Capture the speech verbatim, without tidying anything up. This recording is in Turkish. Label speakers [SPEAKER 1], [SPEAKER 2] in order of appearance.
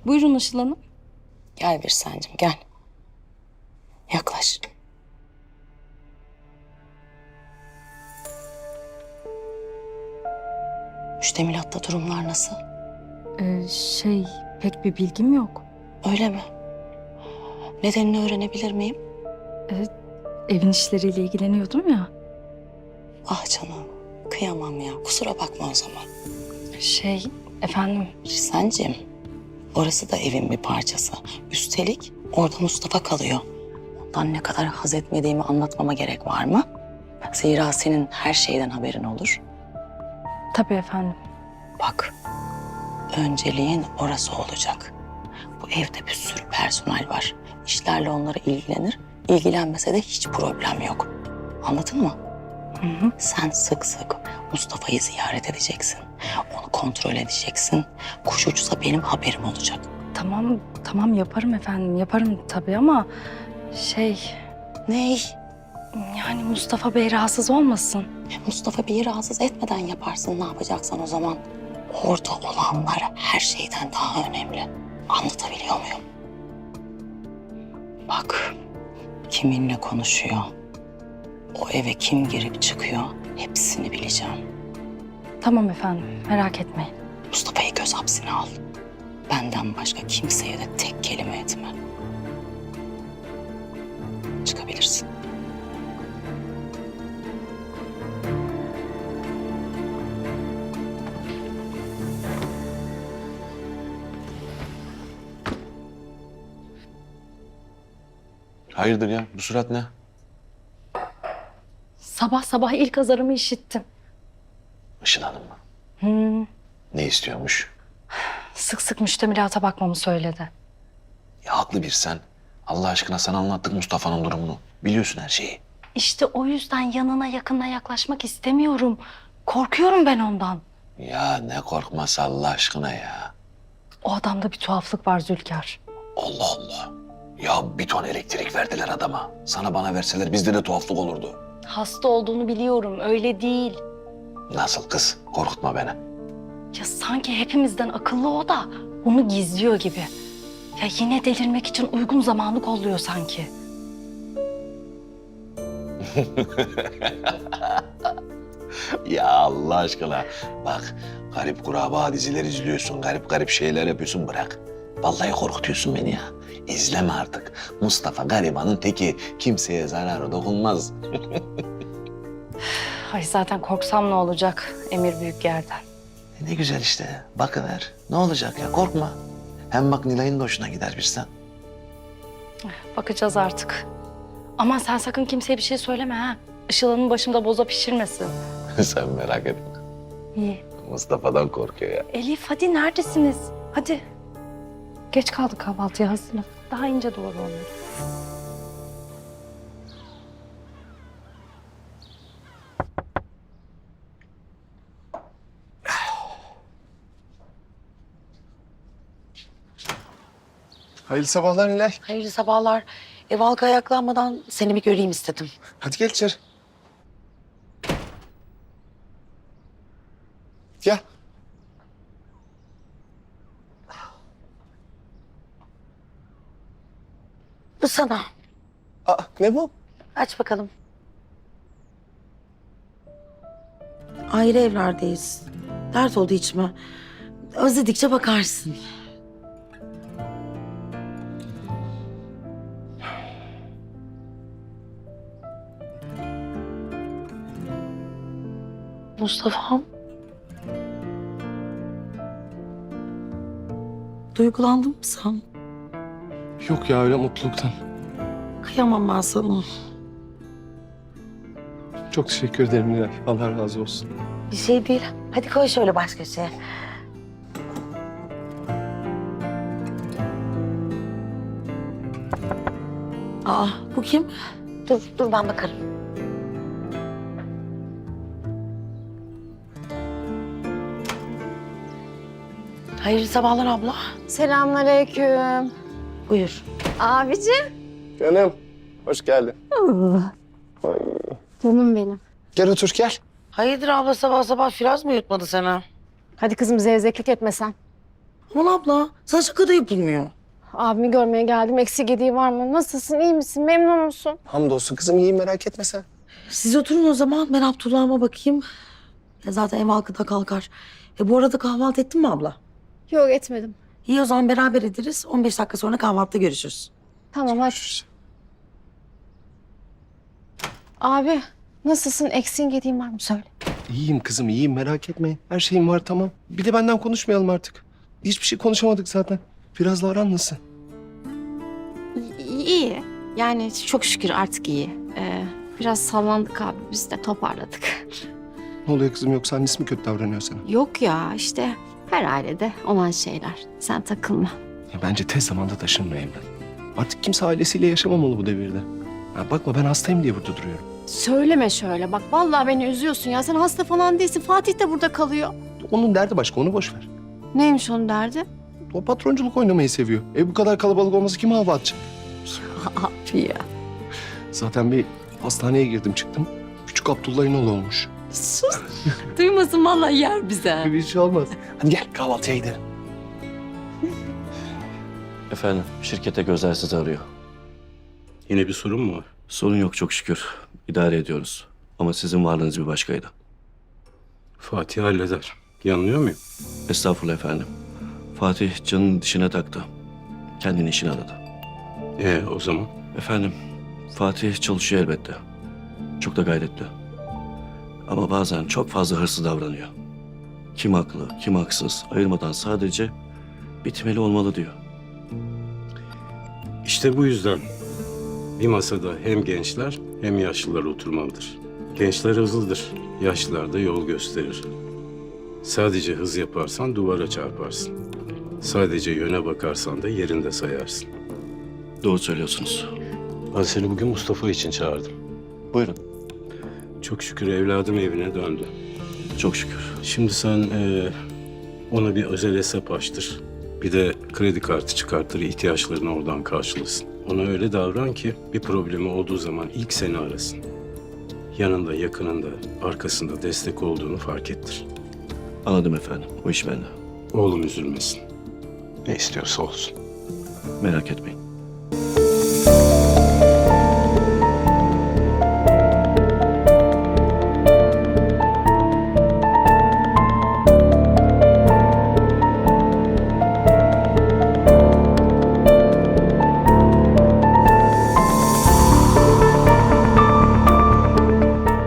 [SPEAKER 1] Buyurun Işıl Hanım.
[SPEAKER 2] Gel bir sancım gel. Yaklaş. Müştemilatta durumlar nasıl?
[SPEAKER 1] Ee, şey, pek bir bilgim yok.
[SPEAKER 2] Öyle mi? Nedenini öğrenebilir miyim?
[SPEAKER 1] Evin işleriyle ilgileniyordum ya.
[SPEAKER 2] Ah canım, kıyamam ya. Kusura bakma o zaman.
[SPEAKER 1] Şey, efendim,
[SPEAKER 2] Risancığım, orası da evin bir parçası. Üstelik orada Mustafa kalıyor. Ondan ne kadar haz etmediğimi anlatmama gerek var mı? Zira senin her şeyden haberin olur.
[SPEAKER 1] tabii efendim.
[SPEAKER 2] Bak, önceliğin orası olacak. Bu evde bir sürü personel var. İşlerle onlara ilgilenir. İlgilenmese de hiç problem yok. Anladın mı?
[SPEAKER 1] Hı hı.
[SPEAKER 2] Sen sık sık Mustafa'yı ziyaret edeceksin. Onu kontrol edeceksin. Kuş uçsa benim haberim olacak.
[SPEAKER 1] Tamam, tamam yaparım efendim, yaparım tabii ama şey,
[SPEAKER 2] Ney?
[SPEAKER 1] yani Mustafa Bey rahatsız olmasın.
[SPEAKER 2] Mustafa Bey'i rahatsız etmeden yaparsın ne yapacaksan o zaman. Orada olanlar her şeyden daha önemli. Anlatabiliyor muyum? Bak, kiminle konuşuyor, o eve kim girip çıkıyor hepsini bileceğim.
[SPEAKER 1] Tamam efendim, merak etmeyin.
[SPEAKER 2] Mustafa'yı göz hapsine al. Benden başka kimseye de tek kelime etme. Çıkabilirsin.
[SPEAKER 3] Hayırdır ya? Bu surat ne?
[SPEAKER 1] Sabah sabah ilk azarımı işittim.
[SPEAKER 3] Işıl Hanım mı?
[SPEAKER 1] Hmm,
[SPEAKER 3] Ne istiyormuş?
[SPEAKER 1] sık sık müştemilata bakmamı söyledi.
[SPEAKER 3] Ya haklı bir sen. Allah aşkına sana anlattık Mustafa'nın durumunu. Biliyorsun her şeyi.
[SPEAKER 1] İşte o yüzden yanına yakına yaklaşmak istemiyorum. Korkuyorum ben ondan.
[SPEAKER 3] Ya ne korkması Allah aşkına ya.
[SPEAKER 1] O adamda bir tuhaflık var Zülkar.
[SPEAKER 3] Allah Allah. Ya bir ton elektrik verdiler adama. Sana bana verseler bizde de tuhaflık olurdu.
[SPEAKER 1] Hasta olduğunu biliyorum, öyle değil.
[SPEAKER 3] Nasıl kız? Korkutma beni.
[SPEAKER 1] Ya sanki hepimizden akıllı o da onu gizliyor gibi. Ya yine delirmek için uygun zamanı kolluyor sanki.
[SPEAKER 3] Ya Allah aşkına. Bak garip kuraba diziler izliyorsun. Garip garip şeyler yapıyorsun bırak. Vallahi korkutuyorsun beni ya. İzleme artık. Mustafa garibanın teki. Kimseye zararı dokunmaz.
[SPEAKER 1] Ay zaten korksam ne olacak Emir Büyükger'den.
[SPEAKER 3] E ne güzel işte. Bakıver. Ne olacak ya korkma. Hem bak Nilay'ın da hoşuna gider bir sen.
[SPEAKER 1] Bakacağız artık. Aman sen sakın kimseye bir şey söyleme ha. Işıl Hanım başımda boza pişirmesin.
[SPEAKER 3] Sen merak etme.
[SPEAKER 1] İyi.
[SPEAKER 3] Mustafa'dan korkuyor ya.
[SPEAKER 1] Elif hadi neredesiniz? Hadi. Geç kaldık kahvaltıya hazırla. Daha ince doğru onları.
[SPEAKER 4] Hayırlı sabahlar Nilay.
[SPEAKER 2] Hayırlı sabahlar. Ev halka ayaklanmadan seni bir göreyim istedim.
[SPEAKER 4] Hadi gel içeri. Gel.
[SPEAKER 2] Bu sana.
[SPEAKER 4] Aa, ne bu?
[SPEAKER 2] Aç bakalım. Ayrı evlerdeyiz. Dert oldu içime. Özledikçe bakarsın. Mustafa'm. Duygulandın mı sen?
[SPEAKER 4] Yok ya öyle mutluluktan.
[SPEAKER 2] Kıyamam ben sana.
[SPEAKER 4] Çok teşekkür ederim Nilay. Allah razı olsun.
[SPEAKER 2] Bir şey değil. Hadi koy şöyle baş köşeye. Aa, bu kim? Dur, dur ben bakarım. Hayırlı sabahlar abla.
[SPEAKER 5] Selamünaleyküm.
[SPEAKER 2] Buyur.
[SPEAKER 5] Abicim.
[SPEAKER 4] Canım, hoş geldin.
[SPEAKER 5] Canım benim.
[SPEAKER 4] Gel otur gel.
[SPEAKER 2] Hayırdır abla sabah sabah Firaz mı yutmadı seni?
[SPEAKER 5] Hadi kızım zevzeklik etme sen.
[SPEAKER 2] Aman abla sana şaka da yapılmıyor.
[SPEAKER 5] Abimi görmeye geldim. Eksik gediği var mı? Nasılsın? İyi misin? Memnun musun?
[SPEAKER 4] Hamdolsun kızım iyiyim merak etme sen.
[SPEAKER 2] Siz oturun o zaman ben Abdullah'ıma bakayım. Ya zaten ev halkı da kalkar. E bu arada kahvaltı ettin mi abla?
[SPEAKER 5] Yok etmedim.
[SPEAKER 2] İyi o zaman beraber ederiz. on beş dakika sonra kahvaltıda görüşürüz.
[SPEAKER 5] Tamam hadi. Abi nasılsın? Eksiğin gediğin var mı? Söyle.
[SPEAKER 4] İyiyim kızım iyiyim merak etme. Her şeyim var tamam. Bir de benden konuşmayalım artık. Hiçbir şey konuşamadık zaten. Birazla aran nasıl?
[SPEAKER 6] İyi. Yani çok şükür artık iyi. Ee, biraz sallandık abi. Biz de toparladık.
[SPEAKER 4] Ne oluyor kızım yoksa annesi mi kötü davranıyor sana?
[SPEAKER 6] Yok ya işte her ailede olan şeyler. Sen takılma.
[SPEAKER 4] Ya bence tez zamanda taşınma Emre. Artık kimse ailesiyle yaşamamalı bu devirde. Ya bakma ben hastayım diye burada duruyorum.
[SPEAKER 6] Söyleme şöyle. Bak vallahi beni üzüyorsun ya. Sen hasta falan değilsin. Fatih de burada kalıyor.
[SPEAKER 4] Onun derdi başka onu boş ver.
[SPEAKER 6] Neymiş onun derdi?
[SPEAKER 4] O patronculuk oynamayı seviyor. E bu kadar kalabalık olması kime hava atacak?
[SPEAKER 6] Abi ya.
[SPEAKER 4] Zaten bir hastaneye girdim çıktım. Küçük Abdullah'ın oğlu olmuş.
[SPEAKER 6] Sus. Duymasın vallahi yer bize.
[SPEAKER 4] Bir şey olmaz. Hadi gel kahvaltıya gidelim.
[SPEAKER 7] Efendim, şirkete Gözel sizi arıyor.
[SPEAKER 8] Yine bir sorun mu var?
[SPEAKER 7] Sorun yok çok şükür. İdare ediyoruz. Ama sizin varlığınız bir başkaydı.
[SPEAKER 8] Fatih halleder. Yanılıyor muyum?
[SPEAKER 7] Estağfurullah efendim. Fatih canın dişine taktı. Kendini işine adadı.
[SPEAKER 8] Ee o zaman?
[SPEAKER 7] Efendim, Fatih çalışıyor elbette. Çok da gayretli. Ama bazen çok fazla hırslı davranıyor. Kim haklı, kim haksız ayırmadan sadece bitmeli olmalı diyor.
[SPEAKER 8] İşte bu yüzden bir masada hem gençler hem yaşlılar oturmalıdır. Gençler hızlıdır, yaşlılar da yol gösterir. Sadece hız yaparsan duvara çarparsın. Sadece yöne bakarsan da yerinde sayarsın.
[SPEAKER 7] Doğru söylüyorsunuz.
[SPEAKER 8] Ben seni bugün Mustafa için çağırdım.
[SPEAKER 7] Buyurun.
[SPEAKER 8] Çok şükür evladım evine döndü.
[SPEAKER 7] Çok şükür.
[SPEAKER 8] Şimdi sen eee, ona bir özel hesap açtır. Bir de kredi kartı çıkartır, ihtiyaçlarını oradan karşılasın. Ona öyle davran ki bir problemi olduğu zaman ilk seni arasın. Yanında, yakınında, arkasında destek olduğunu fark ettir.
[SPEAKER 7] Anladım efendim. O iş bende.
[SPEAKER 8] Oğlum üzülmesin. Ne istiyorsa olsun.
[SPEAKER 7] Merak etmeyin.